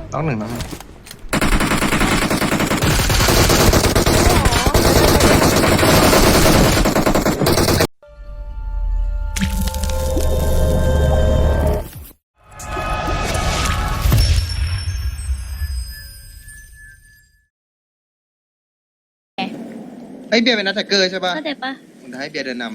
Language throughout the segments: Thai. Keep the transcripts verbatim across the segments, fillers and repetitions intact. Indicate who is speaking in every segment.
Speaker 1: ต้องหนึ่งต้องหนึ่งไอ้เบียร์เป็นนักแท็กเกอร์ใช่ป่ะ
Speaker 2: เข้าใจปะ
Speaker 1: ผมจะให้เบียร์เดินน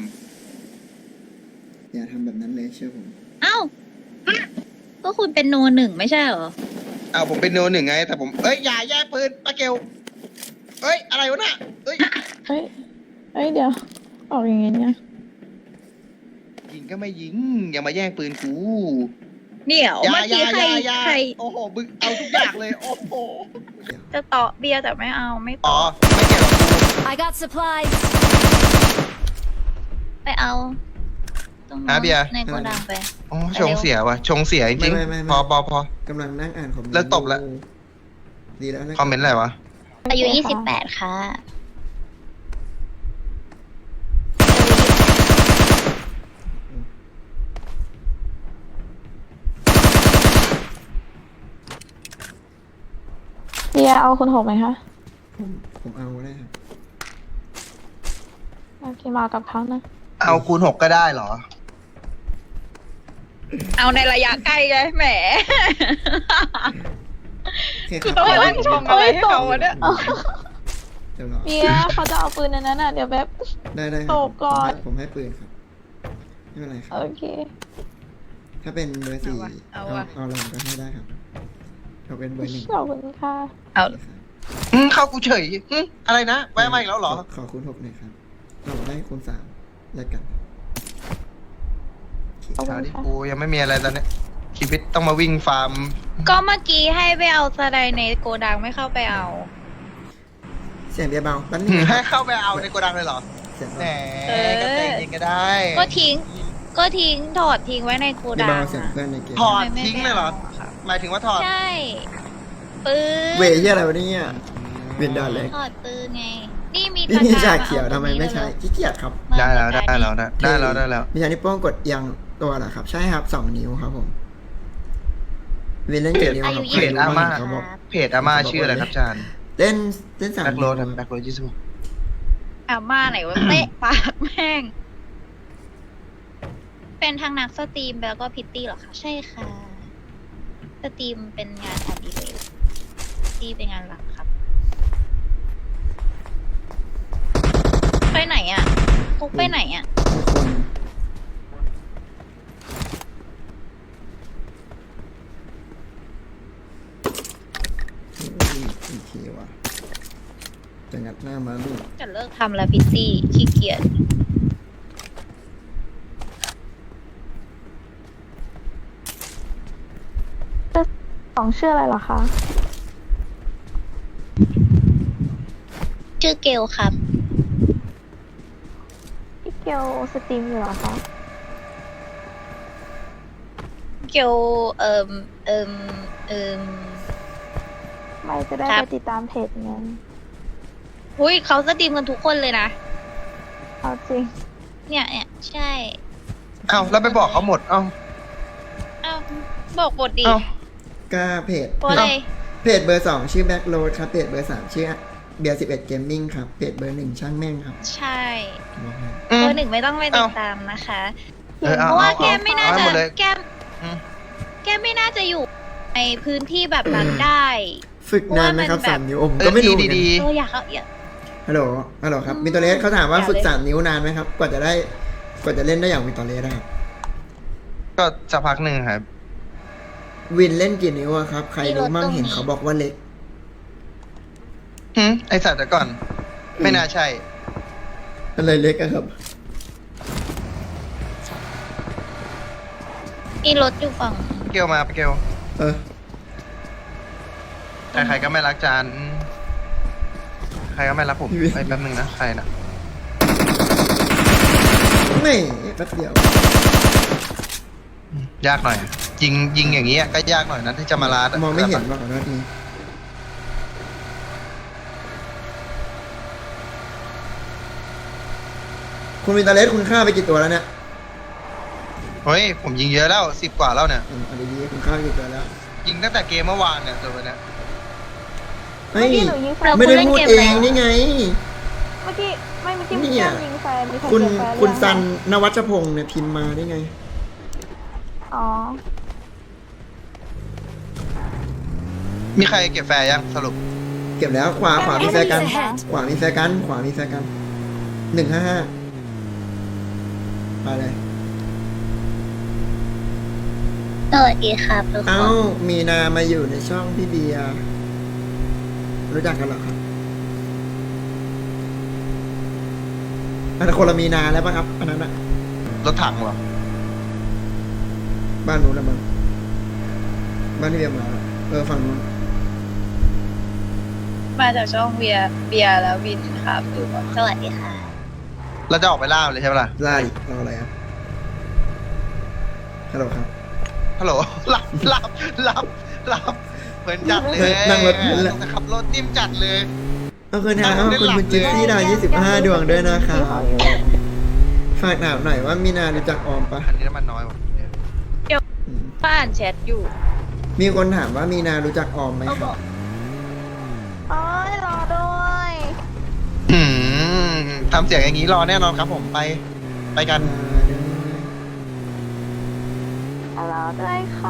Speaker 3: อย่าทำแบบนั้นเลยเชื่อผม
Speaker 2: เอ้า ก็คุณเป็นโนหนึ่งไม่ใช่เหรอ
Speaker 1: ำอ้าวผมเป็นโนหนึ่งไงแต่ผมเอ้ยอย่าแย่งปืนปาเกลเอ้ยอะไรวะน่ะเอ้ย
Speaker 4: เฮ้ยเฮ้ย เดี๋ยว ออกอย่างงี้เนี่ย
Speaker 1: ยิงก็ไม่ยิงอย่ามาแย่งปืนกู
Speaker 2: เดี๋ยว
Speaker 1: อย่า
Speaker 2: เมื่อ
Speaker 1: อย่า
Speaker 2: กี้
Speaker 1: อ
Speaker 2: ใคร
Speaker 1: ย่าอย่า
Speaker 2: ใคร
Speaker 1: โอ้โหมึงเอาทุกอย่างเลยโอ้โห
Speaker 2: จะต่อเบียร์แต่ไม่เอาไม่
Speaker 1: อ๋
Speaker 2: ต่
Speaker 1: อ
Speaker 2: อ
Speaker 1: ไม่เกี่ยวกับกู
Speaker 5: I got supplies.
Speaker 2: ไปเอาตรง
Speaker 1: อ่ะ
Speaker 2: นู้น
Speaker 1: เบียร์
Speaker 2: ในโกดังไป
Speaker 1: อ๋อชงเสียว่ะชงเสียจริง
Speaker 3: ไม่ไม่ไม่
Speaker 1: ๆพอพอพอก
Speaker 3: ำลังนั่งอ่านคอมเมนต์
Speaker 1: เลิกตบแล้ว
Speaker 3: ดีแล้วนะ
Speaker 1: คอมเมนต์อะไรวะ
Speaker 2: อายุยี่สิบแปดค่ะ
Speaker 4: เดียเอาคุณหกไหมคะ
Speaker 3: ผมผมเอาได้ครับ
Speaker 4: โอเคมากับเขานะ
Speaker 1: เอาคูณหกก็ได้เหรอ
Speaker 2: เอาในระยะใกล้ไงแหม
Speaker 3: โอเค
Speaker 2: คือต้องมานั่งชมอะไรให้เขาวะเนี่ย
Speaker 3: เดี๋ยวรอ
Speaker 4: เดียเขาจะเอาปืนในนั้นน่ะ เดี๋ยวแบบ
Speaker 3: ได้ได้ค
Speaker 4: ต
Speaker 3: รับบ
Speaker 4: ก่อน
Speaker 3: ผมให้ปืนครับไม่เป็นไรครับ
Speaker 4: โอเค
Speaker 3: ถ้าเป็นเบอร์สี่
Speaker 2: เอา
Speaker 3: เอา
Speaker 2: วะ
Speaker 3: เอาลองก็ให้ได้ครับถ้าเป็นเบอร์หนึ่ง
Speaker 4: ขอบคุณค่ะ
Speaker 2: เอา
Speaker 3: ครับ
Speaker 1: อืมเข้ากูเฉยอืมอะไรนะแวะมาอีกแล้วเหรอ
Speaker 3: ขขอคูณหกหน่อยครับเราได้คูณสามแลกกัน
Speaker 4: ขอบคุ
Speaker 1: ชา
Speaker 4: ณ
Speaker 1: ดิ
Speaker 4: ค่ะ
Speaker 1: กูยังไม่มีอะไรตอนเนี้ยชีวิตต้องมาวิ่งฟาร์ม
Speaker 2: ก็เมื่อกี้ให้ไปเอาสไลด์ในโกดังไม่เข้าไปเอา
Speaker 3: เสียงเบียร์เบาแป๊บนึ
Speaker 1: หื
Speaker 3: ง
Speaker 1: ม
Speaker 3: นะค
Speaker 1: ให้
Speaker 3: รับ
Speaker 1: เข้าไปเอาในโกดังเลยเหรอ
Speaker 3: เสียง
Speaker 1: แหม
Speaker 3: เบา
Speaker 1: ก็แต่งจริงก็ได้
Speaker 2: ก็ทิ้ง ก็ทิ้งถอดทิ้งไว้ในโก
Speaker 3: เบีย
Speaker 2: ดั
Speaker 3: ร์
Speaker 2: ง
Speaker 3: เบาเสียง
Speaker 2: อะ
Speaker 3: เพื่อนในเกม
Speaker 1: ถอด
Speaker 2: ทำไมไม่
Speaker 1: ทิ้งเลยเหรอ
Speaker 2: ไปเอาอะครับ
Speaker 1: หมายถึงว่าถอด
Speaker 2: ใช่ ปืน
Speaker 3: เวยเหียอะไรวะเนี่ยเวียนดอนเลย
Speaker 2: ถอดปืนไง นี่มี
Speaker 3: นี่
Speaker 2: ตะ
Speaker 3: นี่
Speaker 2: กร้า
Speaker 3: ชา
Speaker 2: มา
Speaker 3: เขียว
Speaker 2: เอา
Speaker 3: ทำไมไม่ใช้
Speaker 2: ตรงนี้
Speaker 3: ขี้เกียจครับ
Speaker 2: เลย
Speaker 1: ได้แล้วได้แล้วได้ได้แล้วได้แล้ว
Speaker 3: มีชานิ้วโป้งกดยังตัวเหรอครับ ใช่ครับสองนิ้วครับผมเวียนเล่นกี่นิ้ว
Speaker 2: อา
Speaker 3: ค
Speaker 2: ยุ
Speaker 3: รับ
Speaker 2: ยี่
Speaker 1: เพ
Speaker 2: สิ
Speaker 1: จ
Speaker 2: บ
Speaker 1: อาม่า
Speaker 3: เขาบอก
Speaker 1: เพจอาม่าชื่ออะไรครับอาจารย์
Speaker 3: เล่นเล่นสาม
Speaker 1: แบ็คโร
Speaker 3: นิ้ว
Speaker 1: ด
Speaker 3: ครับ
Speaker 1: แบ็คโรดยี่สิบหก
Speaker 2: อาม่าไหนวะ เตะปากแม่ง เป็นทางนักสตรีมแล้วก็พิตตี้เหรอคะ ใช่ค่ะ สตรีมเป็นงานอดิเรกพิตตี้เป็นงานหลักครับ ไปไหนอ่ะฟุกไปไหนอ่ะ
Speaker 3: มีคนอีกทีว่ะจะงัดหน้ามาลูก
Speaker 2: จะเลิกทำแล้วพิตตี้ขี้เกียจ
Speaker 4: สองชื่ออะไรเหรอคะ
Speaker 2: ชื่อเกลครับ
Speaker 4: พี่เกียวสตรีมอยู่เหรอคะ
Speaker 2: เกลเอิมเอิมเอิม
Speaker 4: ไม่จะได้
Speaker 2: ครั
Speaker 4: ไป
Speaker 2: บ
Speaker 4: ติดตามเพจไง
Speaker 2: หุ้ยเขาสตรีมกันทุกคนเลยนะ
Speaker 4: เอาจริง
Speaker 2: เนี่ยเนี่ยใช่
Speaker 1: เอ้าแล้วไปบอกเขาหมดเอ้า
Speaker 2: อ้าวบอกบทดี
Speaker 1: เอ้า
Speaker 3: ก็เพจ
Speaker 2: บทอะไร
Speaker 3: เพจเบอร์สองชื่อแบ็คโรดครับเพจเบอร์สามชื่อเบียร์สิบเอ็ดเกมมิ่งครับเพจเบอร์หนึ่งช่างแม่งครับ
Speaker 2: ใช่
Speaker 3: บอกให้
Speaker 1: อื
Speaker 2: เบ
Speaker 1: ม
Speaker 2: อร์หนึ่งไม่ต้องไปติด
Speaker 1: เอ้า
Speaker 2: ตามนะคะ
Speaker 1: เออ
Speaker 2: เพ
Speaker 1: เอา
Speaker 2: ราะว่า
Speaker 1: เอา
Speaker 2: แกมไม่น่า
Speaker 1: เอา
Speaker 2: จะ
Speaker 1: หมดเลย
Speaker 2: แกม
Speaker 1: อืม
Speaker 2: แกมไม่น่าจะอยู่ในพื้นที่แบบนั้นได้
Speaker 3: ฝึกนานไหมครับ
Speaker 2: เพราะว่ามันแบบ
Speaker 3: สามนิ้วผมก็ไม่รู้เหมือนกัน
Speaker 1: ดี
Speaker 2: เอออยากเอาอยาก
Speaker 3: ฮัลโหลฮัลโหลครับมิโตเลสเขาถามว่า
Speaker 2: อย่า
Speaker 3: ฝึก
Speaker 2: เลย
Speaker 3: สามนิ้วนานไหมครับ กว่าจะได้กว่าจะเล่นได้อย่างมิโตเลสนะครับ
Speaker 1: ๆก็สักพักหนึ่งครับ
Speaker 3: วินเล่นกี่นิ้วอะครับ ใครรู้มั่งเห็นเขาบอกว่าเล็ก
Speaker 1: หืมไอสัตว์แต่ก่อน ไม่น่าใช่
Speaker 3: อะไรเล็กอะครับ
Speaker 2: มีรถอยู่ฝั่ง
Speaker 1: เกลมาไปเกล
Speaker 3: เออ
Speaker 1: ใครๆก็ไม่รักจานอืมใครก็ไม่รักผมไปแป๊บนึงนะใครนะ
Speaker 3: ไม่แป๊บเดียวย
Speaker 1: ากหน่อย ยิงยิงอย่างนี้ยก็ยากหน่อยนะที่จะมาลาดะ
Speaker 3: มองไม่เห็นว่าขอโทษทีคุณมิโตเลสคุณฆ่าไปกี่ตัวแล้วเนี่ย
Speaker 1: เฮ้ยผมยิงเยอะแล้วสิบกว่าแล้วเนี่ย
Speaker 3: อืมเอาดีๆคุณฆ่าไปกี่ตัวแล้ว
Speaker 1: ยิงตั้งแต่เกมเมื่อวานเนี่ยตัวเนี้ย
Speaker 3: เฮ้ย
Speaker 4: เมื่อกี้หนูยิงแฟน
Speaker 3: ไม่ได้พูดเองนี่ไง
Speaker 4: เมื่อกี้ไม่เมื่อกี้
Speaker 3: เนี่
Speaker 4: แก้
Speaker 3: ย
Speaker 4: มยิงแฟนมีใคร
Speaker 3: คุณ
Speaker 4: เก็บแฟน
Speaker 3: คุณ
Speaker 4: หรือยัง
Speaker 3: ซันนวัชพงศ์เนี่ยพิมพ์มาได้ไง
Speaker 4: อ๋อ
Speaker 1: มีใครเก็บแฟร์ยังสรุป
Speaker 3: เก็บแล้วขวาขวามีแฟร์กัน
Speaker 5: Enemies ahead
Speaker 3: ขวามีแฟร์กัน ขวามีแฟร์กันหนึ่งห้าห้าไปเลย
Speaker 2: สวัสดีครับทุกค
Speaker 3: เอ้าน มีนามาอยู่ในช่องพี่เบียร์รู้จักกันเหรอครับอันนั้นคนละมีนาแล้วป่ะครับอันนั้นอะ
Speaker 1: รถถังเหรอ
Speaker 3: บ้านนู้นละมั้งบ้านที่เบียร์มาเออฝั่งนู้น
Speaker 6: มาจากช่องเบียร์เบียร์แล้ววินครับดูก่อน
Speaker 2: สวัสดีค่ะ
Speaker 1: เราจะออกไปล่าเลยใช่ไหมล่ะ
Speaker 3: ไล่เราอะไรครับฮัลโหลครับ
Speaker 1: ฮัลโหล รับรับรับรับเหมือนจัดเลย
Speaker 3: นั่งรถนั่นแหละ
Speaker 1: ขับรถนิ่มจัดเลย
Speaker 3: เอาคืนนะขอบคุณคุณจิ๊บซี่ดาวยี่สิบห้าดวงด้วยนะครับ ฝากถามหน่อยว่ามีนารู้จักออมปะ
Speaker 1: อันนี้น้ำมันน้อยว่ะ
Speaker 3: อืม
Speaker 6: บ้านแชทอยู่
Speaker 3: มีคนถามว่ามีนารู้จักออมไหมครับ
Speaker 4: โอ้ยรอด้วย
Speaker 1: อืมทำเสียงอย่างนี้รอแน่นอนครับผมไป ไปกัน
Speaker 4: รอด้วยค่ะ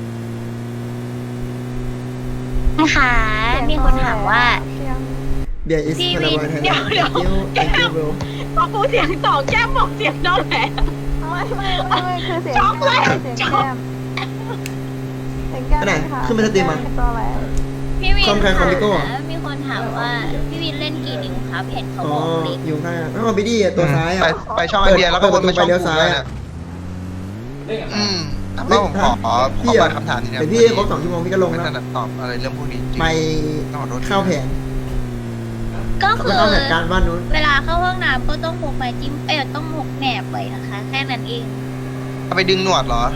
Speaker 2: นะคะมีคนถามว่า
Speaker 4: เสียง
Speaker 3: เบียร์อิส
Speaker 6: พี่
Speaker 3: คารา
Speaker 6: วิน
Speaker 3: บอยไทย
Speaker 6: เดี๋ยวเดี๋ยว
Speaker 3: แองกิ้ว bro
Speaker 6: พอกูเสียงสองแก้มบอกเสียงน้องแหละ
Speaker 4: ไม่ไม่ไม่ไม่คือเสียง
Speaker 6: ช็อกเลย
Speaker 4: เสียง
Speaker 6: ช็อก
Speaker 4: แก้มเสียงแก้ม
Speaker 3: อันไหน
Speaker 4: ค่ะ
Speaker 3: ขึ้นมาสตรีมอ่ะ
Speaker 4: ตัวอะไร
Speaker 2: พี่วิน
Speaker 3: คอมใครคอมพิโก้เหรอ
Speaker 2: ค่ะมีคนถามว่าพี่วินเล่นกี่นิ้วครับเห็นเขา
Speaker 3: อ๋อ
Speaker 2: บอกลิ
Speaker 3: อยู่ข้างแล้วก็บิดี้อ่ะตัวซ้ายอ่ะ
Speaker 1: ไปไปช่องไอเบียร์แล้วก็วนไปช่อง
Speaker 3: เปิดประตูไปเลี้ยว
Speaker 1: กู
Speaker 3: ซ้าย
Speaker 1: เลย
Speaker 3: อะ
Speaker 1: เนี่ยอืมแล้วผมขอขอข
Speaker 3: พี่
Speaker 1: อ
Speaker 3: อ่ะ
Speaker 1: คำถามนี้นะ
Speaker 3: เดี๋ยวพี่ครบสองชั่วโมงพี่ก็ลง
Speaker 1: ไม่
Speaker 3: แล้ว
Speaker 1: ถนัดตอบอะไรเรื่องพวกนี้จริง
Speaker 3: ไป
Speaker 1: ต้องขอโทษ
Speaker 3: เข้าแผน
Speaker 2: ก็คื
Speaker 3: แล้ว
Speaker 2: อ
Speaker 3: เข้าแผนการบ้านนู้น
Speaker 2: เวลาเข้าห้องน้ำก็ต้องพกไม้จิ้มเอ้ยต้องพกแหนบไว้นะคะ แค่นั้นเอง
Speaker 1: เอาไปดึงหนวดเหรอ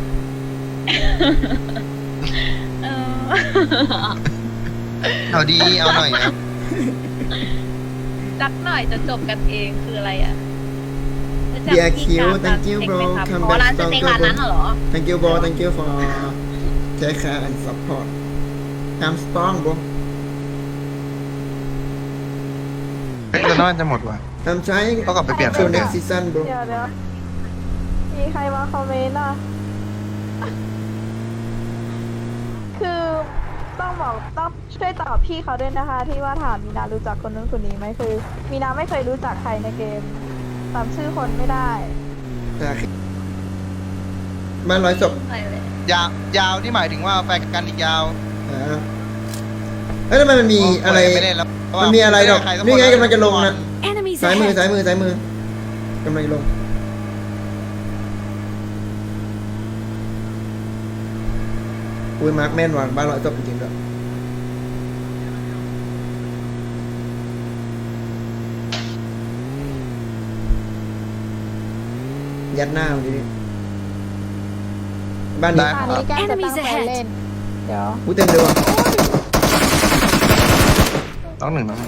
Speaker 2: เออ
Speaker 1: เอาดีเอาหน่อยครับ
Speaker 6: จักหน่อยจะจบกันเองคืออะไรอ่ะรู้จัก
Speaker 3: เบียร์
Speaker 6: พี่
Speaker 3: คิว
Speaker 6: การ
Speaker 3: thank you
Speaker 6: ร้านส
Speaker 3: bro
Speaker 6: เต็กไหมครับ
Speaker 3: come
Speaker 6: อ๋อ
Speaker 3: back
Speaker 6: ร้านสเต็กร้านนั้นเหรอ
Speaker 3: thank you bro thank you for take care and support I'm strong bro
Speaker 1: เฮ้ยเราน่าจะหมดว่ะ
Speaker 3: I'm trying
Speaker 1: ต้องกลับไปเปลี่ยน
Speaker 3: to next season bro
Speaker 4: เดี๋ยวเดี๋ยวมีใครมาคอมเมนต์อ่ะ คือต้องบอกต้องช่วยตอบพี่เขาด้วยนะคะ ที่ว่าถามมีนารู้จักคนนู้นคนนี้ไหมคือ มีนาไม่เคยรู้จักใครในเกมจำชื่อคนไม่ได้
Speaker 3: แต่บ้านร้อยศพ
Speaker 6: ไปเลย
Speaker 1: ยาวยาวที่หมายถึงว่าแฟนกันอีกยาว
Speaker 3: อ่าเอ้ยทำไมมันมีอะไร
Speaker 1: ไม่เล่นแล้ว
Speaker 3: มันมีอะไรดอก
Speaker 1: ใคสัค
Speaker 3: นี่ไงกำลังจะลงนะ
Speaker 5: Enemies
Speaker 3: ซ้ายมือ
Speaker 5: ahead!
Speaker 3: ซ้ายมือซ้ายมือกำลังจะลงอุ้ยมาร์คแม่นว่ะบ้านร้อยศพจริงๆด้วยยัดหน้าวันนี้บ้านนี้
Speaker 1: ได้
Speaker 4: อันนี้แก้มจะตั้ง
Speaker 5: Enemies
Speaker 4: ใจ
Speaker 5: ahead
Speaker 4: เล่น เดี๋ยว
Speaker 3: อุ้ยเต็มเลยว่ะ
Speaker 1: ต้องหนึ่งนะ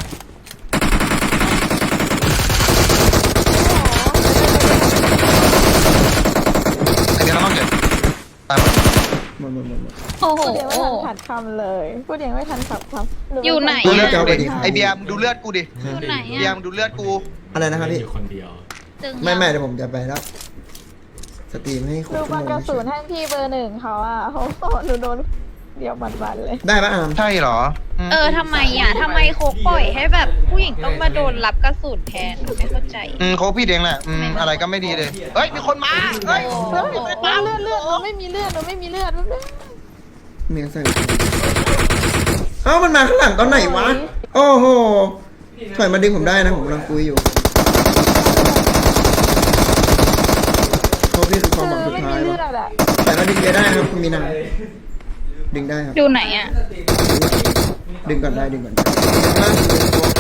Speaker 1: อันนี้เราต้องเก็บตามมา
Speaker 3: หมดหมดหมดหมด
Speaker 2: โอ้โห
Speaker 4: พูดยังไม่ทันขัดคำเลย พูดยังไม่ทันขัดคำรือ
Speaker 6: อยู่ไหน
Speaker 1: ดู
Speaker 6: อะ
Speaker 1: เลือด
Speaker 3: เจ้า
Speaker 1: กู
Speaker 3: ไป
Speaker 1: ดิ
Speaker 3: ดิ
Speaker 1: ไอเบียร์มึงดูเลือดกูดิ
Speaker 2: อยู่ไหน
Speaker 1: เบียร์
Speaker 2: อะ
Speaker 1: มึงดูเลือดกู
Speaker 3: อะไรนะครับพี่
Speaker 7: อยู่คนเดียว
Speaker 2: ตึง
Speaker 3: ไม่ไม่เดี๋ยวผมจะไปแล้ว สตรีมให้ครบ
Speaker 4: ดู
Speaker 3: ชั่ว
Speaker 4: บอล
Speaker 3: โมง
Speaker 4: กระสุนให้พี่เบอร์หนึ่งเขาอ่ะเขาโหนูโดนเดี๋ยวบันๆเลย
Speaker 3: ได้ปะอาม
Speaker 1: ใช่เหรอม
Speaker 6: เออทำไมอ่ะทำไมโคกปล่อยให้แบบผู้หญิงต้องมาโดนรับกระสุนแทนไม่เข้าใจ
Speaker 1: อืมเขาพี่เองแหละอืมอะไรก็ไม่ดีเลย เฮ้ย มีคนมา เฮ้ย
Speaker 4: เฮ้ยเลือดเลือดหนูไม่มีเลือดหนูไม่มีเลือด
Speaker 3: เมียใส่เอ้ามันมาข้างหลังตอนไหนวะ โอ้โหถอยมาดึงผมได้นะผมกำลังคุยอยู่โอ้พี่คือความหวังสุด
Speaker 4: ไม่
Speaker 3: ท้า
Speaker 4: มี
Speaker 3: ย
Speaker 4: เลื
Speaker 3: วะ
Speaker 4: อดอ่ะ
Speaker 3: แต่มาดึงเบียร์ได้ครับคุณมีนาดึงได้ครับ
Speaker 6: ดูไหนอ่ะ
Speaker 3: ดึงก่อนได้ดึงก่อนได้ข้างล่างคือเป็นโต๊ะ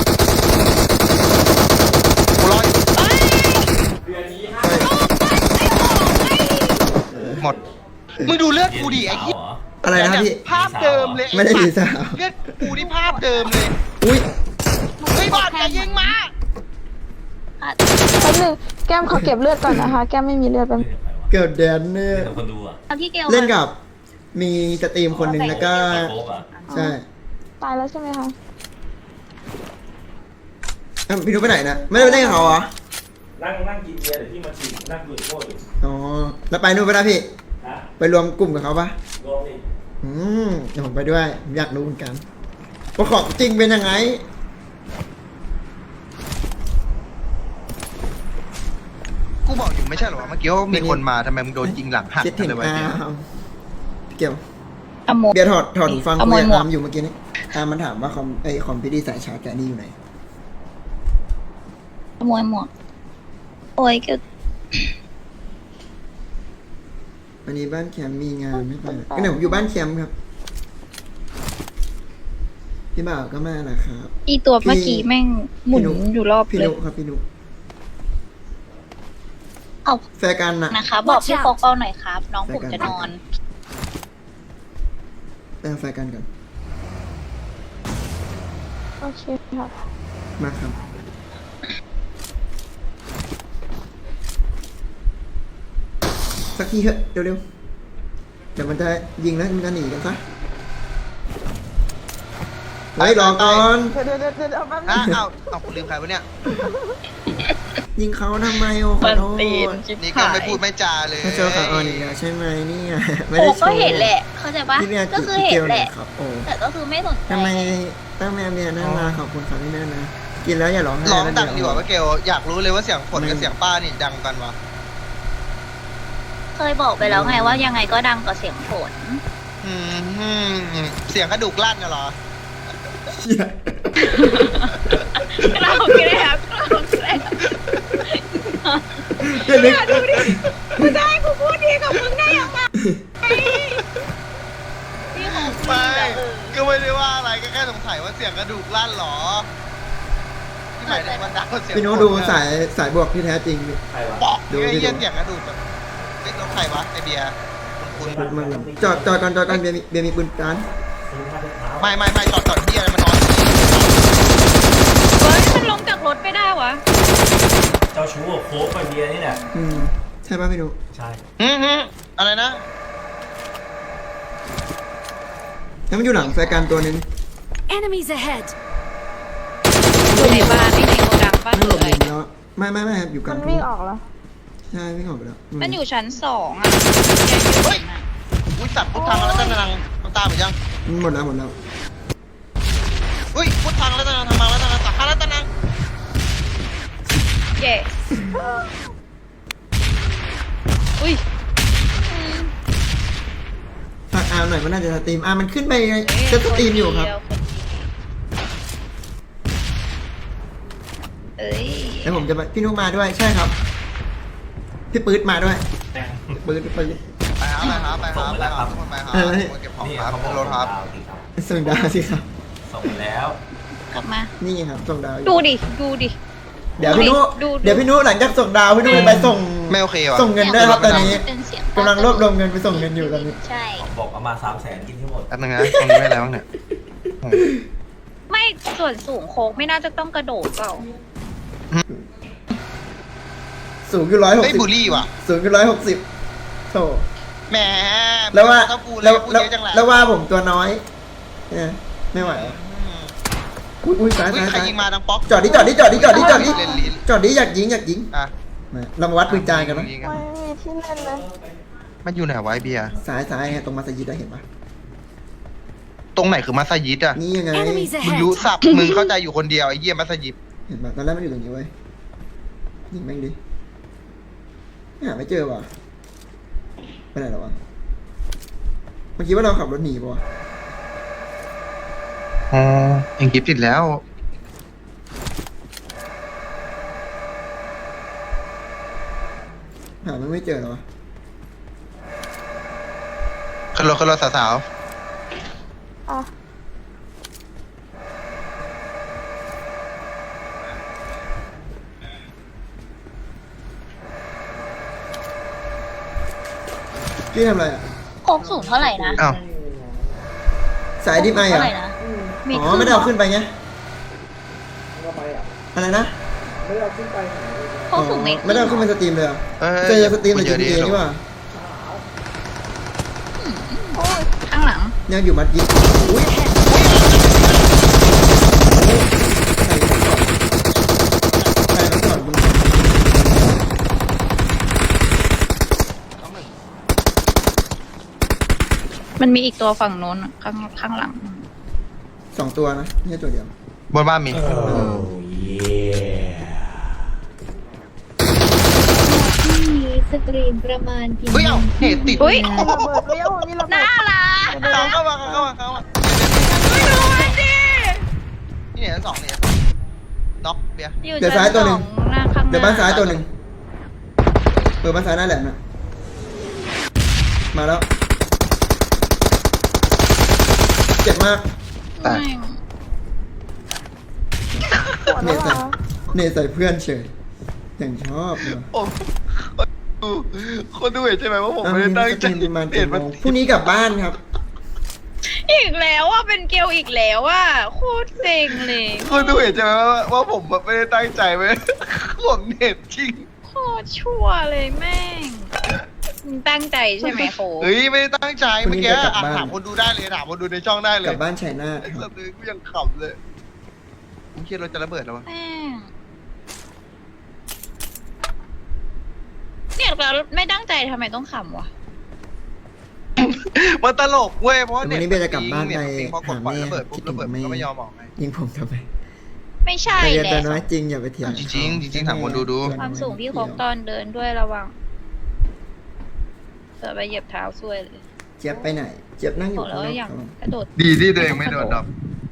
Speaker 1: กูรออยู่
Speaker 3: ใช่
Speaker 1: หมด มึงดูเลือดกูดิไอ้ที่
Speaker 3: อะไรนะครับพี่
Speaker 1: ภาพเดิมเลย
Speaker 3: ไม่ได้ดีสาว
Speaker 1: เลือดกูนี่ภาพเดิมเลย
Speaker 3: อุ้ย
Speaker 1: เฮ้ยบอดอย่ายิงมา
Speaker 4: แป๊บนึงแก้มขอเก็บเลือดก่อนนะคะ แก้มไม่มีเลือดแป๊บ
Speaker 7: เล่นกับใครวะ
Speaker 3: เกิดแดนเนี่ย
Speaker 7: เล่นกับคนดูอ่ะ
Speaker 2: เอาพี่เกล
Speaker 3: เล่นกับมีสตรีมคนหนึ่งแล้วก็
Speaker 5: โป๊ะอ่ะ
Speaker 3: ใช่
Speaker 4: ตายแล้วใช่ไหมคะ
Speaker 3: อ้าวพี่นุ๊กไปไหนนะไม่ได้ไปเล่นกับเขาเหรอ
Speaker 5: นั่งนั่งกินเบียร์เดี๋ยวพี่มาชิมนั่งดูโทษอยู่
Speaker 3: อ๋อแล้วไปนู่นไปนะพี่
Speaker 5: นะ
Speaker 3: ไปรวมกลุ่มกับเขาปะ
Speaker 5: รวมดิ
Speaker 3: อืมเดี๋ยวผมไปด้วยผมอยากรู้เหมือนกันว่าของจริงเป็นยังไง
Speaker 1: กูบอกอยู่ไม่ใช่เหรอวะเมื่อกี้ว่ามีคนมาทำไมมึงโดนยิงหลังหัก
Speaker 3: คิดถึง
Speaker 1: เลยวะ
Speaker 3: อา
Speaker 1: เนี่ย
Speaker 3: ร์มเกี่ยว
Speaker 2: อโม
Speaker 3: เบียร์ถอดถอดหูฟัง
Speaker 2: ขโม
Speaker 3: คุย
Speaker 2: ย
Speaker 3: กับ
Speaker 2: หมวก
Speaker 3: อาร์มอยู่เมื่อกี้นี้อาร์มมันถามว่าคอมไอคอมพิวตี้สายชาร์จแกนี่อยู่ไหน
Speaker 2: ขโมยหมวกโอ้ยก็
Speaker 3: วันนี้บ้านแคมป์มีงานไม่ไปก็เนี่ยผมอยู่บ้านแคมป์ครับพี่บ่าวก็มาแหละครับ
Speaker 2: อีตัวเมื่อกี้แม่งหมุนอยู่รอบ
Speaker 3: พี่
Speaker 2: เล
Speaker 3: นุ
Speaker 2: ย
Speaker 3: ครับพี่นุ
Speaker 2: เอา
Speaker 3: แฟนกันน่ะ
Speaker 2: นะคะ บอกพี่โฟกเป้าหน่อยครับ น้องผมจะนอน
Speaker 3: ไปเอาแฟนกันก่อน
Speaker 4: โอเคค่ะ
Speaker 3: มาครับสักทีเถอะเร็วๆเดี๋ยวมันจะยิงแล้วมันจะหนีกันซะเฮ้ยรอก่อน
Speaker 4: เดี๋ยวเดี๋ยวเดี๋ยวเดี๋ยวแป๊บนึ
Speaker 1: อ่ะ
Speaker 4: ง
Speaker 1: เอ้าเอ้ากูลืมใครวะเนี่ย
Speaker 3: ยิงเขาทำไมโอ้ขอโทษ
Speaker 1: นี่ก็ไม่พูดไม่จาเลย
Speaker 3: ถ้าเจอขาอ่อนอีกแล้วใช่ไหมเนี่ยไม่
Speaker 2: โอ้
Speaker 3: ได้โช
Speaker 2: ก็
Speaker 3: ว์
Speaker 2: เห็นแหละ เข้าใจปะ
Speaker 3: พี่เบียร์
Speaker 2: ก็คือเห็น
Speaker 3: กี่ยว
Speaker 2: แห
Speaker 3: ย
Speaker 2: ละ
Speaker 3: ครับโอ้
Speaker 2: แต่ก็คือไม่สนใจ
Speaker 3: ทำไมตั้งแม่เบียร์นั่นมาขอบคุณครับพี่แม่นะกินแล้วอย่าร้องไห้
Speaker 1: ร้อง
Speaker 3: นะ
Speaker 1: ดังดี
Speaker 3: เยว
Speaker 1: กว่าป้าเกลอยากรู้เลยว่าเสียงฝนกับเสียงป้านี่ดังกันวะ
Speaker 2: เคยบอกไปแล้วไงว่ายังไงก็ดังกว่าเสียงฝน
Speaker 1: อืมอืมเสียงกระดูกลั่นน่ะเหรอ
Speaker 3: เชี่ย
Speaker 6: เราแกล้งเราแกล้ง
Speaker 3: เดี๋ยวนึก
Speaker 6: มึงจะให้กูพูดดีกับมึงได้ยังไง
Speaker 2: พี่ของ
Speaker 1: ไม่ก็ไม่ได้ว่าอะไรก็แค่สงสัยว่าเสียงกระดูกลั่นเหรอที่หมายถึงมันดังกว่าเสียง
Speaker 3: พี่โน้ตดูสายสายบวกที่แท้จริงดิ
Speaker 5: ใครวะ
Speaker 1: บอก
Speaker 3: ดู
Speaker 1: ดู
Speaker 3: ดิ
Speaker 1: ไอ้เหี้ยเสียงกระดูกแบบเฮ้ยแล้วใครวะไอเบียร์คุณคุณ
Speaker 3: มันจอดจอดก่อนจอดก่อนเบียร์มีเบียร์มีปืนการ
Speaker 5: ซื้อผ้าเช็ดเท้า
Speaker 1: ไม่ไม่ไม่จอดจอดเบียร์อะไรมันนอน
Speaker 6: เฮ้ยมันลงจากรถไม่ได้วะ
Speaker 5: เจ้าชู้กับโค้กกับเบียร์นี่แหละ
Speaker 3: อืมใช่ป่ะพี่นุ
Speaker 5: ใช่
Speaker 1: อืมฮึอะไรนะ
Speaker 3: แล้วมันอยู่หลังแฟร์กันตัวนึง
Speaker 7: Enemies ahead!
Speaker 6: อยู่ในบ้านในโกดังบ้าน
Speaker 3: มันหลบ
Speaker 6: เล
Speaker 3: ห
Speaker 6: ย
Speaker 3: นีแล้วไม่ไม่ไม่ครับอยู่ก
Speaker 4: มั
Speaker 3: ลาง
Speaker 4: น
Speaker 3: ทุ่
Speaker 4: วิ่
Speaker 3: ง
Speaker 4: งออกแล้ว
Speaker 3: ใช่วิ่งออกไปแล้ว
Speaker 6: มันอยู่ชั้นสองอ่ะ
Speaker 1: เฮ้ยอุ้ยสัตว์พุทธังแล้วตั้งนังมันตามหรือยัง
Speaker 3: หมดแล้วหมดแล้ว
Speaker 1: อุ้ยพุทธังแล้วตั้งนังทำมาแล้วตั้งนังสักการแล้วตั้งนัง
Speaker 6: เย่อุ้ย
Speaker 3: ฝากอาร์มหน่อยมันน่าจะสตรีมอาร์มมันขึ้นไปจะสตรีมอยู่ครับ
Speaker 2: เอ้ย
Speaker 3: แล้วผมจะไปพี่นุมาด้วยใช่ครับพี่ปื๊ดมาด้วยปื๊ดปื๊ด
Speaker 1: ไปหาไปหาไปหาไปหาทุกคนไปหาเก็บของ
Speaker 5: นี่
Speaker 1: ครับ
Speaker 5: เขา
Speaker 1: ขึ้นรถครับ
Speaker 5: ดาวสิครับ
Speaker 3: ส่งดาวสิครับ
Speaker 5: ส่งไปแล้ว
Speaker 2: กลับมา
Speaker 3: นี่ครับส่งดาวอยู่
Speaker 6: ดูดิ ดูดิ
Speaker 3: เดี๋ยวพี่นุ
Speaker 6: ดูดู
Speaker 3: เดี๋ยวพี่นุหลังจากส่งดาวพี่นุไปส่ง
Speaker 1: ไม่โอเคว่ะ
Speaker 3: ส่งเงินด้วยครับตอนนี้
Speaker 2: เป็นเสียง
Speaker 3: กำลังรวบรวมเงินไปส่งเงินอยู่ตอนนี้
Speaker 2: ใช่
Speaker 5: บอกเอามาสามแสนกินที่หมด
Speaker 1: แป๊บนึงนะตรงนี้ไม่อะไรบ้างเนี่ย
Speaker 2: ไม่ส่วนสูงโค้กไม่น่าจะต้องกระโดดเปล่า
Speaker 3: สูงอยู่ร้อยหก
Speaker 1: เฮ้ย
Speaker 3: สิบ
Speaker 1: บูลลี่ว่ะ
Speaker 3: สูงอยู่ร้อยหกสิบโถ
Speaker 1: แหม
Speaker 3: แล้วว่า
Speaker 1: ถ้ากู
Speaker 3: แล้ว
Speaker 1: พูด
Speaker 3: แล้ว
Speaker 1: เยอะจังแหละ
Speaker 3: แล้วว่าผมตัวน้อยเนี่ยไม่ไหวอุ้ยอุ้ยซ้าย
Speaker 1: อุ้ย
Speaker 3: ซ้าย
Speaker 1: ใคร
Speaker 3: ซ้าย
Speaker 1: ยิงมาดังป๊อก
Speaker 3: จอดดิจอดดิจอดดิจอดดิจอดดิ
Speaker 1: เล่นลิ้น
Speaker 3: จอดดิอยากยิงอยากยิง
Speaker 1: อ่ะ
Speaker 3: มาเรามาวัดปืนจานกันนะ
Speaker 1: ยิง
Speaker 4: ไม่มีที่เล่นเลย
Speaker 1: มันอยู่ไหนวะไอ้เบียร์
Speaker 3: ซ้ายซ้ายไงตรงมัสยิดได้เห็นปะ
Speaker 1: ตรงไหนคือมัสยิดอ่ะ
Speaker 3: นี่ยังไง
Speaker 7: Enemies
Speaker 1: มึง
Speaker 7: ahead!
Speaker 1: รู้สับมึงเข้าใจอยู่คนเดียวไอ้เหี้ยมัสยิด
Speaker 3: เห็นปะตอนแรกมันอยู่ตรงนี้เว้ยยิงแม่งดิหาไม่เจอว่ะไปไหนแล้ววะเมื่อกี้ว่าเราขับรถหนีปะวะ
Speaker 1: อ๋อเองกิฟติดแล้ว
Speaker 3: หามันไม่เจอหรอวะ
Speaker 1: ขึ้นรถขึ้นรถสาว
Speaker 4: อ่ะ
Speaker 3: พี่ทำอะไรอ่ะ
Speaker 2: โค้กสูงเท่าไหร่นะ
Speaker 1: ๆอ้าว
Speaker 3: สายดิฟไอ
Speaker 2: เท่า
Speaker 3: อ่ะ
Speaker 2: ไหร่นะ
Speaker 3: อ๋อไม่ได้เอาขึ้นไปไงอะไรนะ
Speaker 2: โค้กสูงเมตร
Speaker 3: ไม่ได้เอาขึ้นเป็นสตรีมเลยเหรอ
Speaker 1: เอ้ย
Speaker 3: เจอสตรีมใน
Speaker 1: เย
Speaker 3: จี
Speaker 1: อะ
Speaker 3: พี
Speaker 1: ดี
Speaker 3: เอนี่หว่า
Speaker 4: โอ้ย
Speaker 3: เนี่ยอยู่มัดยิงอุ้ยใส่ก่อนใส่แล้วก่อนมึง
Speaker 1: น้องหนึ่ง
Speaker 6: มันมีอีกตัวฝั่งโน้นอะข้างข้างหลัง
Speaker 3: สองตัวนะไม่ใช่ตัวเดียว
Speaker 1: บนบ้านมี
Speaker 2: ที่นี้สตรีมประมาณกี่
Speaker 1: เฮ้ยเอ้าเหตุติด
Speaker 6: เฮ้ย
Speaker 4: มีระเบิดเลี้ยวมีระเบิ
Speaker 6: น่า
Speaker 4: ด
Speaker 6: รัก
Speaker 1: เข้ามาเข้ามาเข้ามาเข้ามา
Speaker 6: ไม่ดูมันดิ
Speaker 1: นี่เนี่ยสองเนี่ยน็อกเบียร์
Speaker 6: อยู่
Speaker 3: เดี๋ยวซ้ายตัวหนึ่ง
Speaker 6: ชั้สอหน้าข้างหน้า
Speaker 3: เดี๋ยวบ้านซ้ายตัวหนึ่งเปิดบ้านซ้ายหน้าแหลมนะมาแล้วเจ็บมาก
Speaker 6: แม่ง
Speaker 4: ปวด
Speaker 3: เน
Speaker 4: แล้ว
Speaker 3: ตใส่
Speaker 4: เหรอ
Speaker 3: เนตใส่เพื่อนเฉยอย่างชอบเลย
Speaker 1: ผมคนดูเห็นใช่ไหมว่าผมไม่ได้ตั้งใจ
Speaker 3: ประมาณ
Speaker 1: เห็นมัน
Speaker 3: พรุ่งนี้กลับบ้านครับ
Speaker 6: อีกแล้วอ่ะเป็นเกลอีกแล้วอ่ะโคตรเซ็งเลย
Speaker 1: คนดูเห็นใช่ไหมว่าว่าผมไม่ได้ตั้งใจไว้ผมเน็ตจริง
Speaker 6: โคตรชั่วเลยแม่งมึงตั้งใจใช่ไหมโค
Speaker 1: เฮ้ยไม่ได้ตั้งใจ
Speaker 3: พรุ่
Speaker 1: เมื่
Speaker 3: ง
Speaker 1: อ
Speaker 3: นี้
Speaker 1: กี้
Speaker 3: จะกลับ
Speaker 1: อ่ะ
Speaker 3: บ้าน
Speaker 1: ถามคนดูได้เลยถามคนดูในช่องได้เล
Speaker 3: ก
Speaker 1: ย
Speaker 3: ลับบ้านชัยนาท
Speaker 1: ไอ้
Speaker 3: ค
Speaker 1: สั
Speaker 3: รับ
Speaker 1: ตว์เลยกูยังขำเลยผมคิดเราจะระเบิดแล้ววะ
Speaker 6: แม่งเนี่ยเราไม่ตั้งใจทำไมต้องขำวะ
Speaker 1: มันตลกเว้ยเพราะ
Speaker 3: วันนี้เบลจะกลับบ้านไป
Speaker 1: พอกดปล่อยระเบิดปุ๊บระเบิดมันก็ไม่ยอมออกไง
Speaker 3: ยิงผมทำไม
Speaker 6: ไม่ใช่
Speaker 3: แต่เย็น
Speaker 6: แห
Speaker 3: แต่
Speaker 6: ละ
Speaker 3: น้อยจริงอย่าไปเถียง
Speaker 1: จริงๆจริงๆถามคนดูดู
Speaker 6: ความสูงพี่โคกตอนเดินด้วยระวังเกิดไปเหยียบเท้าซวยเลย
Speaker 3: เจี๊ยบไปไหน เจี๊ยบนั่งอบ ยู่
Speaker 6: อกแล้
Speaker 3: ข้าง
Speaker 6: วน
Speaker 3: อก
Speaker 6: อย่าง
Speaker 3: ครับ
Speaker 6: กระโดด
Speaker 1: ดีที่ตัวเองไม่โดนดับ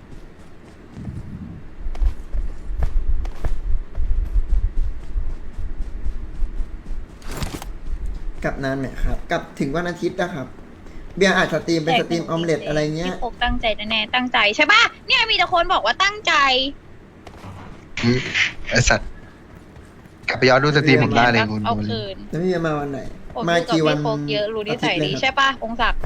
Speaker 3: กลับนานไหมครับกลับถึงวันอาทิตย์นะครับ เบียร์อาจสตรีมเป็นสตรีมออมเล็ตอะไรเงี้ย
Speaker 6: พี่โคกตั้งใจแน่ๆตั้งใจใช่ปะเนี่ยมีแต่คนบอกว่าตั้งใจ
Speaker 1: ไอสัตว์กลับไปย้อนดูสตรีมผมได้เลยคุณ
Speaker 6: เอา
Speaker 1: ดู
Speaker 6: คืน
Speaker 3: แล้วพี่เบียร์มาวันไหน
Speaker 6: ผม
Speaker 3: มา
Speaker 6: ดูกับ
Speaker 3: กี่วัน
Speaker 6: พี่โคกเยอะรู้นิสัยดี
Speaker 3: อาทิตเล
Speaker 6: ใช่ปะองศักดิ์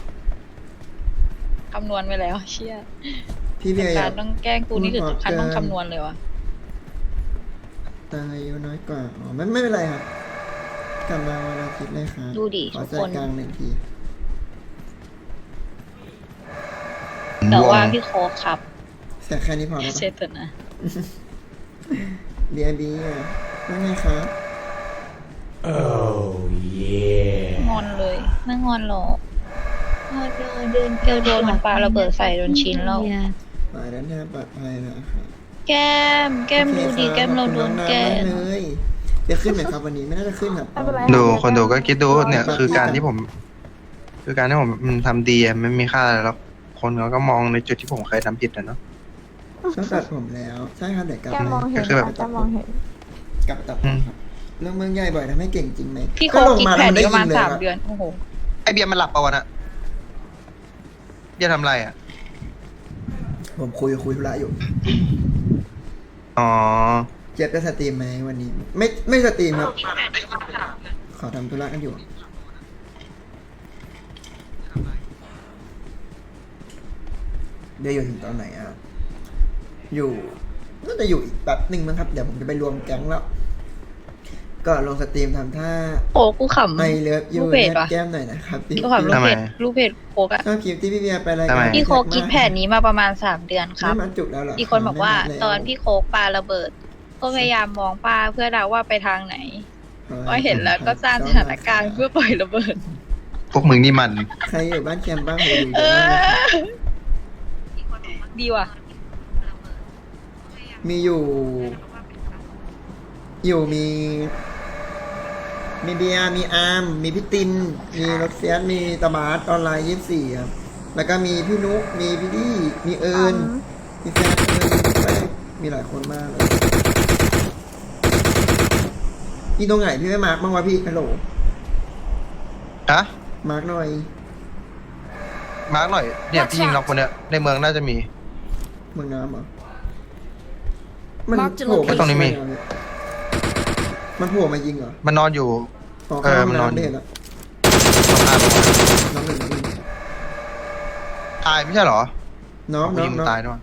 Speaker 6: คำนวณไปแล้วเชี่ย
Speaker 3: พี่เบียร์อยา
Speaker 6: การ
Speaker 3: ก
Speaker 6: ต้องแกล้งกูนี่ถึงขั้นต้องคำนวณเลยวะ
Speaker 3: ตายอายุน้อยกว่าอ๋อไม่ไม่เป็นไรครับกลับมาวันอาทิตย์เลยครับ
Speaker 6: ดูดิ
Speaker 3: ขอ
Speaker 6: ทุก
Speaker 3: ใจ
Speaker 6: คน
Speaker 3: กลางหนึ่งที
Speaker 6: แต่ว่าพี่โคกครับ
Speaker 3: แต่แค่นี้พอแล้ว
Speaker 6: เช็
Speaker 3: ปะ
Speaker 6: ดเถอะนะ
Speaker 3: เบียร์เบียร์ว่าไงครับ
Speaker 6: งอนเลยไม่งอนหรอก
Speaker 2: พอรอเดิน
Speaker 6: เกลโดนมันปาระเบิดใส่โดนชิ้นแล้ว
Speaker 3: ไปแล้วนะปลอดภัยนะครับ
Speaker 6: แก้ม แก้มดูดีแก้มเราโดนแก้
Speaker 3: ขอบ
Speaker 6: ม
Speaker 3: คุณน้องๆมากเลยเดี๋ยวขึ้นไหมครับวันนี้ไม่น่าจะขึ้นครับ
Speaker 4: ไม่เป็นไร
Speaker 7: ดูคนดูก็คิดดูเนี่ยคือการที่ผม คือการที่ผมทำดีอะไม่มีค่าอะไรหรอกคนเขาก็มองในจุดที่ผมเคยทำผิดนะเนาะ
Speaker 3: ต้องตัดผมแล้วใช่ครับเดี๋ยวกลับ
Speaker 4: แกมองเห็น
Speaker 7: ก็คือแบบ
Speaker 4: แกมองเห็น
Speaker 3: กลับตัดผมครับเรื่องเมืองใหญ่บ่อยทำให้เก่งจริงไหม
Speaker 6: พี่โค
Speaker 3: ก็
Speaker 6: ก
Speaker 3: ลง
Speaker 6: คิด
Speaker 3: มา
Speaker 6: แผ
Speaker 3: แล้ว
Speaker 6: น
Speaker 3: มันได้
Speaker 6: นี้ประ
Speaker 3: ยิ
Speaker 6: มาณ
Speaker 3: งเลย
Speaker 6: สาม
Speaker 3: ครับ
Speaker 6: เดือน โอ้โห
Speaker 1: ไอเบียร์มันหลับปะวะน่ะเบียร์ทำไรอ่ะ
Speaker 3: ผมคุยคุยธุระอยู่
Speaker 7: อ๋อ
Speaker 3: เจี๊ยบจะสตรีมไหมวันนี้ ไม่ไม่สตรีมครับ ขอทำธุระกันอยู่ เดี๋ยวอยู่ถึงตอนไหนอ่ะ อยู่น่าจะอยู่อีกแป๊บหนึ่งมั้งครับ เดี๋ยวผมจะไปรวมแก๊งแล้ว ก็ลงสตรีมทำท่า
Speaker 6: โอ้กูขำ
Speaker 3: ไอเลิฟยู
Speaker 6: ลูกเพจ
Speaker 3: แน
Speaker 6: วะ
Speaker 3: บแก้มหน่อยนะครับพี่
Speaker 6: กูขำลูก
Speaker 7: ทำไม
Speaker 6: เพจลูกเพจโคกอะ
Speaker 3: ชอบคลิปที่พี่เบียร์ไปราย
Speaker 7: ทำ
Speaker 3: กา
Speaker 7: ไม
Speaker 3: ร
Speaker 6: พี่โคกคิดแผนนี้มาประมาณสามเดือนครับ
Speaker 3: ไม่มาจุแล้วเหรอ
Speaker 6: อีกคนบอกว่า
Speaker 3: ไม่มาแล้ว
Speaker 6: ตอนพี่โคกปาระเบิด ก็พยายามมองป้าเพื่อเดาว่าไปทางไหนพอเห็นแล้วก็สร้างสถานการณ์เพื่อปล่อยระเบิด
Speaker 7: พวกมึงนี่มัน
Speaker 3: ใครอยู่บ้านแคมป์บ้างโหอยู่
Speaker 6: เอ
Speaker 3: เยอะมากเลย
Speaker 6: อ ดีว่ะ
Speaker 3: มีอยู่ อยู่มี มีเบียร์มีอาร์มมีพี่ติน มีรถเฟียสมีตะบาสออนไลน์ยี่สิบสี่ครับ แล้วก็มีพี่นุกมีพี่ดี้มีเอิญมีแฟนเอิญมีแฟนมีหลายคนมากเลยพี่ตรงไหนพี่ไม่มาร์กบ้างวะพี่ฮัลโหล
Speaker 7: ฮะ
Speaker 3: มาร์กหน่อย
Speaker 7: มาร์กหน่อย เนี่ยพี่ยิงน็อกคนเนี้ยในเมืองน่าจะมี
Speaker 3: เมืองน้ำเหรอมัน
Speaker 2: Marked a
Speaker 3: โผล่มา
Speaker 7: ตรงนี้มี
Speaker 3: มันโผล่มายิงเหรอ
Speaker 7: มันนอนอยู่
Speaker 3: อ๋อ
Speaker 7: เออ
Speaker 3: ข้าง
Speaker 7: มันนอน
Speaker 3: น้ำไม่เห็นแล้ว
Speaker 7: ตรงข้าม
Speaker 3: น้องหนึ่งน้องหนึ่ง
Speaker 7: ตายไม่ใช่เหรอ
Speaker 3: น้อง
Speaker 7: ผู้
Speaker 3: น้อ
Speaker 7: ยิ
Speaker 3: ง
Speaker 7: ง
Speaker 3: น้อง
Speaker 7: ตายด้วย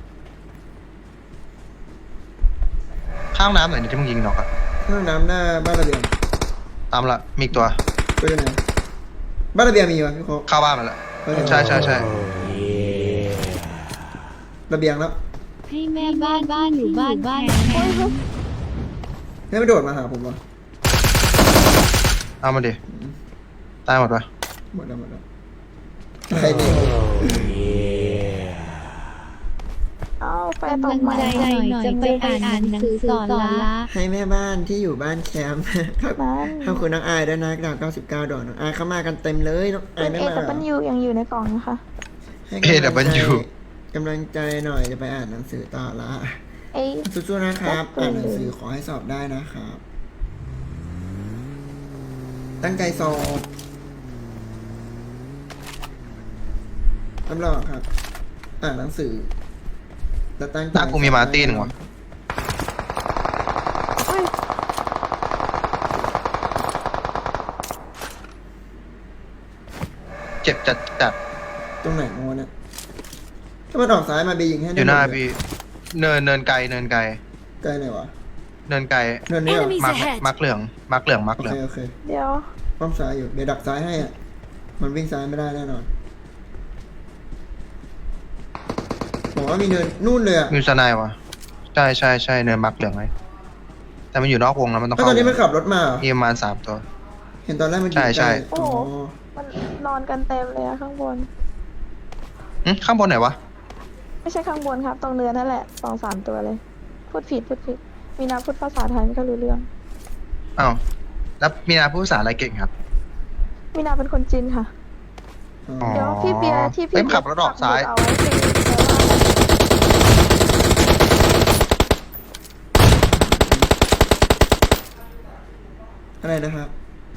Speaker 7: ข้างน้ำไหนเนี่ยที่มึงยิงน็อกอะ
Speaker 3: ข้างน้ำหน้าบ้านระเบียง
Speaker 7: ตามละมีอีกตัว
Speaker 3: ตัวอยู่ไหนบ้านระเบียงมีวะพี่โคก
Speaker 7: เข้าบ้านมาละ
Speaker 3: โเฮ้ย
Speaker 7: ใช่ใช่ใช่
Speaker 3: ระเบียงแล้ว
Speaker 8: ให้แม่บ้านบ้านอยู่บ้านบ้านแม่
Speaker 3: ให้ไม่โดดมาหาผมวะ
Speaker 7: เอามาดิตายหมดปะ
Speaker 3: หมดแล้วหมดแล้วใครเนี่ย
Speaker 4: เอ้าไฟต
Speaker 8: กำลั
Speaker 4: ก
Speaker 8: ง
Speaker 4: ใหม่
Speaker 8: ใจหน่อยจะไปอ่านหนังสือสอนละ
Speaker 3: ให้แม่บ้านที่อยู่บ้านแคมป์ ครับ
Speaker 4: นั้น
Speaker 3: ขอบคุณน้องอายด้วยนะดาวเก้าสิบเก้าดอกน้องอายเข้ามากันเต็มเลยน้องอา
Speaker 4: เป็
Speaker 3: ย
Speaker 4: น
Speaker 3: ไม่
Speaker 4: เอ
Speaker 3: มาเหร
Speaker 4: แต่
Speaker 3: อ
Speaker 4: มันยูยังอยู่ในกล่องนะคะ
Speaker 3: ให้กำลังใจกำลังใจหน่อยจะไปอ่านหนังสือต่อละ
Speaker 4: เอ้ย
Speaker 3: สู้ๆนะครับ
Speaker 4: ขอบคุณ
Speaker 3: อ่านหนังสือขอให้สอบได้นะครับ ตั้งใจสอบรับรองครับ อ่านหนังสือแล้วตั้งใจ
Speaker 7: หน้ากูมีมาร์ตี้หนึ่งวะ
Speaker 4: เฮ้ย
Speaker 7: เจ็บจัดจัด
Speaker 3: ตรงไหนโมเนี่ยถ้ามันออกซ้ายมาบียิงให้
Speaker 7: อยู่หน้าพี่เนินเนินไกลเนินไกล
Speaker 3: ใกล้ไหนวะ
Speaker 7: เนินไกล
Speaker 3: เนินนี้เหรอ
Speaker 7: มาร์คมาร์คเหลืองมาร์คเหลืองมาร์ค
Speaker 3: โอ
Speaker 7: เหลือ
Speaker 3: เค
Speaker 7: ง
Speaker 3: โอเค
Speaker 4: เดี๋ยว
Speaker 3: ป้อมซ้ายอยู่เดี๋ยวดักซ้ายให้อ่ะมันวิ่งซ้ายไม่ได้แน่นอนบอกว่ามีเนินนู่นเลยอ่ะ
Speaker 7: มิวสไนายวะใช่ใช่ใช่เนินมาร์คเหลืองไงแต่มันอยู่นอกวงแล้วมันต้อง
Speaker 3: แล้ว
Speaker 7: เข้า
Speaker 3: ตอนนี้มันขับรถมาเหรอ
Speaker 7: มีประมาณสามตัว
Speaker 3: เห็นตอนแรกมันอยู่
Speaker 7: ใช่ใช่
Speaker 3: ใกล้
Speaker 4: โอ้
Speaker 3: อ๋
Speaker 4: โห
Speaker 3: อ
Speaker 4: มันนอนกันเต็มเลยอะข้างบน
Speaker 7: หึข้างบนไหนวะ
Speaker 4: ไม่ใช่ข้างบนครับ ตรงเรือนั่นแหละสองสามตัวเลย พูดผิดพูดผิด มีนาพูดภาษาไทยไม่ค่อยรู้เรื่อง
Speaker 7: อ้าวแล้วมีนาพูดภาษาอะไรเก่งครับ
Speaker 4: มีนาเป็นคนจีนค่ะ
Speaker 3: อ๋อ
Speaker 7: อ๋อ
Speaker 4: เดี๋ยวพี่เบียร์ที่พี่
Speaker 7: เอ้ยขับรถออกซ้าย
Speaker 4: เอาไว้สิแปลว่า
Speaker 3: อะไรนะครับ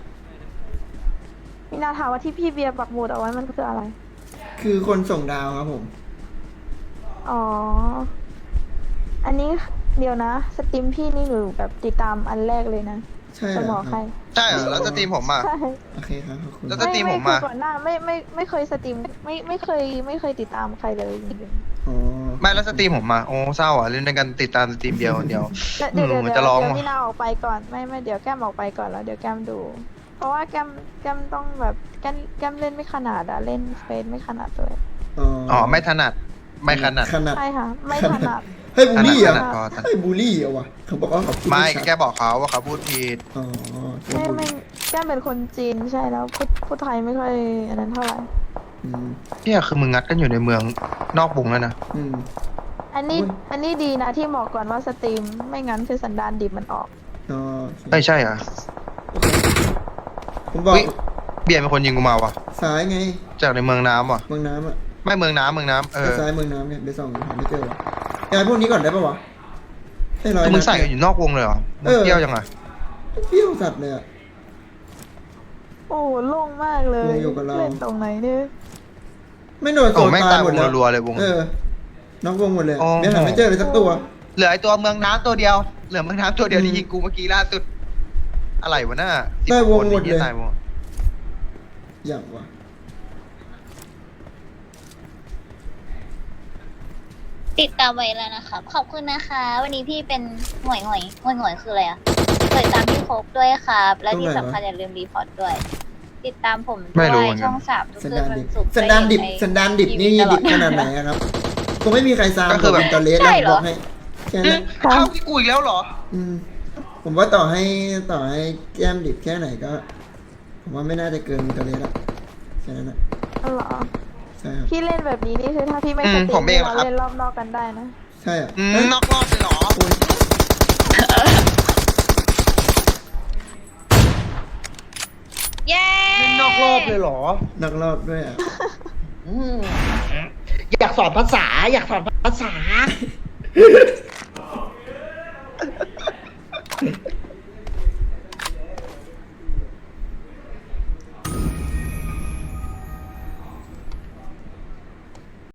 Speaker 4: มีนาถามว่าที่พี่เบียร์ปักหมุดเอาไว้มันคืออะไร
Speaker 3: คือคนส่งดาวครับผม
Speaker 4: อ๋อ อันนี้เดี๋ยวนะ สตรีมพี่นี่หนูแบบติดตามอันแรกเลยนะ
Speaker 3: ใช่
Speaker 4: จะ
Speaker 3: เหร
Speaker 4: บ
Speaker 3: อ
Speaker 4: อก
Speaker 3: ค
Speaker 4: ใคร
Speaker 3: รับ
Speaker 7: ใช่เหรอแล้วสตรีมผมอ่ะ
Speaker 4: ใช่
Speaker 3: โอเคครับขอบคุณ
Speaker 7: แล้ว สตรีมผมมา
Speaker 4: คือก่อนหน้าไม่ไม่ไม่เคยสตรีมไม่ไม่เคยไม่เคยติดตามใครเลยจริง
Speaker 3: อ๋อ
Speaker 7: ไม่แล้วสตรีมผมอ่ะโอ้เศร้าอ่ะเล่นด้วยกันติดตามสตรีมเดียวคนเดียว
Speaker 4: ๆแล้วเดี๋ยว
Speaker 7: อื
Speaker 4: เดี๋
Speaker 7: ม
Speaker 4: ยว
Speaker 7: มัน
Speaker 4: เดี๋ยว
Speaker 7: จะร้อง
Speaker 4: เดี๋ยว
Speaker 7: ว่ะ
Speaker 4: พี่นาออกไปก่อนไม่ไม่เดี๋ยวแก้มออกไปก่อนแล้วเดี๋ยวแก้มดู เพราะว่าแก้มแก้มต้องแบบแก้มแก้มเล่นไม่ขนาดอะเล่นเฟซไม่ขนาดเลย
Speaker 3: อ๋อ
Speaker 7: อ๋อไม่ถนัดไม่ขนาด
Speaker 3: ขนาด
Speaker 4: ใช่ค่ะ ไม่ถนัด
Speaker 3: ให้บูลลี่เหร
Speaker 7: ข
Speaker 3: อ่ะ
Speaker 7: นาดพอถนัด
Speaker 3: ให้บูลลี่เหรอวะเขาบอกว่าเขาพูด
Speaker 7: ไม่
Speaker 3: ชัด
Speaker 7: แค่บอกเขาว่าเขาพูดผิด
Speaker 3: อ๋อ
Speaker 4: ไม่ไม่แก้มเป็นคนจีนใช่แล้วพูดพูดไทยไม่ค่อยอันนั้นเท่าไหร่
Speaker 3: อืม
Speaker 7: เนี่ยคือมึงงัดกันอยู่ในเมืองนอกวงแล้วนะ
Speaker 3: อืม
Speaker 4: อันนี้
Speaker 3: อุ๊ย
Speaker 4: อันนี้ดีนะที่บอกก่อนว่าสตรีมไม่งั้นคือสันดานดิบมันออก
Speaker 3: อ๋อ
Speaker 7: ไม่ใช่อ่ะ
Speaker 3: ผมบอก
Speaker 7: อุ๊ย เบียร์เป็นคนยิงกูมาว่ะ
Speaker 3: ซ้ายไง
Speaker 7: จากในเมืองน้ำว่ะ
Speaker 3: เมืองน้ำอ่ะ
Speaker 7: ไม่เมืองน้ำเมืองน้ำเอ
Speaker 3: ไป
Speaker 7: อ
Speaker 3: ซ้ายเมืองน้ำเนี่ยไปส่องหาไม่เจอวะยายพวกนี้ก่อนได้ปะวะให้ร้อย
Speaker 7: คือมึง
Speaker 3: นัด
Speaker 7: ใส่กันอยู่นอกวงเลยเหรอมึง
Speaker 3: เออ
Speaker 7: เที่ยวยังไง
Speaker 3: เปรี้ยวสัตว์เลยอ่ะ
Speaker 4: โอ้โล่งมากเลย
Speaker 3: โล่งอยู่กับเรา
Speaker 4: เล่นตรงไหนเนี่ย
Speaker 3: ไม่โดนโซ
Speaker 7: โอ้
Speaker 3: น
Speaker 7: แม่ง
Speaker 3: ตา
Speaker 7: ตาย ยว
Speaker 3: หมด
Speaker 7: ง
Speaker 3: แล้ว
Speaker 7: รัวๆเลยวง
Speaker 3: เออน้องวงหมดเลย
Speaker 7: อ๋อ
Speaker 3: เบี้ยหาไม่เจอเลยสักตัว
Speaker 7: เหลือไอตัวเมืองน้ำตัวเดียว เหลือเมืองน้ำตัวเดียว
Speaker 3: อืม
Speaker 7: ที่ยิงกูเมื่อกี้ล่าสุด อะไรวะน่า
Speaker 3: ได้วงหมด
Speaker 7: สิบ
Speaker 3: เลย
Speaker 7: คนตายหมด
Speaker 3: อย่างวะ
Speaker 2: ติดตามไว้แล้วนะครับ ขอบคุณนะคะ วันนี้พี่เป็นหน่วยหน่วยหน่วยหน่วยคืออะไรอะเปิดตามพี่โคกด้วยครับ และที่สำคัญอย่าลืมรีพอร์ตด้วย ติดตามผมด้
Speaker 7: ไม่รู้
Speaker 2: วย
Speaker 7: เหมือนกัน
Speaker 2: ช่องสามทุก
Speaker 3: สัน
Speaker 2: คืน
Speaker 3: ดาน
Speaker 2: วั
Speaker 3: ดิ
Speaker 2: น
Speaker 3: บ
Speaker 2: ศุกร์
Speaker 3: สันดานดิบ
Speaker 2: จะ
Speaker 3: สันดานดิบนี่
Speaker 2: ทีวีตล
Speaker 3: ดิ
Speaker 2: อบ
Speaker 3: ขนาดไหนอะครับคงไม่มีใครซาม
Speaker 7: ก็คือแบบ
Speaker 3: เป็นตอเลส
Speaker 2: ใช่
Speaker 3: แล้ว
Speaker 2: เหรอ
Speaker 3: บอกให้แค่นั้น
Speaker 7: เข้าที่กูอีกแล้วเหรอ
Speaker 3: อืมผมว่าต่อให้ต่อให้แก้มดิบแค่ไหนก็ ผมว่าไม่น่าจะเกินตอเลสอะแค่นั้นนะ
Speaker 4: อ๋อเหรอ
Speaker 3: ใช่ครับ
Speaker 4: พี่เล่นแบบนี้นี่คือถ้าพี่ไม่
Speaker 7: อื
Speaker 4: ส
Speaker 7: ม
Speaker 4: ตรี
Speaker 7: ผม
Speaker 4: ม
Speaker 7: เอง
Speaker 4: เรา
Speaker 7: ครับ
Speaker 4: เล่นรอบนอกกันได้นะ
Speaker 3: ใช่อ่ะ
Speaker 7: อืม
Speaker 3: เฮ้ย
Speaker 7: นอกรอบเลยเหรอ
Speaker 3: โอ้ย
Speaker 2: เย้
Speaker 7: เล่นนอกรอบเลยเหรอ
Speaker 3: นักรอบด้วยอ่ะ
Speaker 9: อยากสอนภาษา อยากสอนภาษา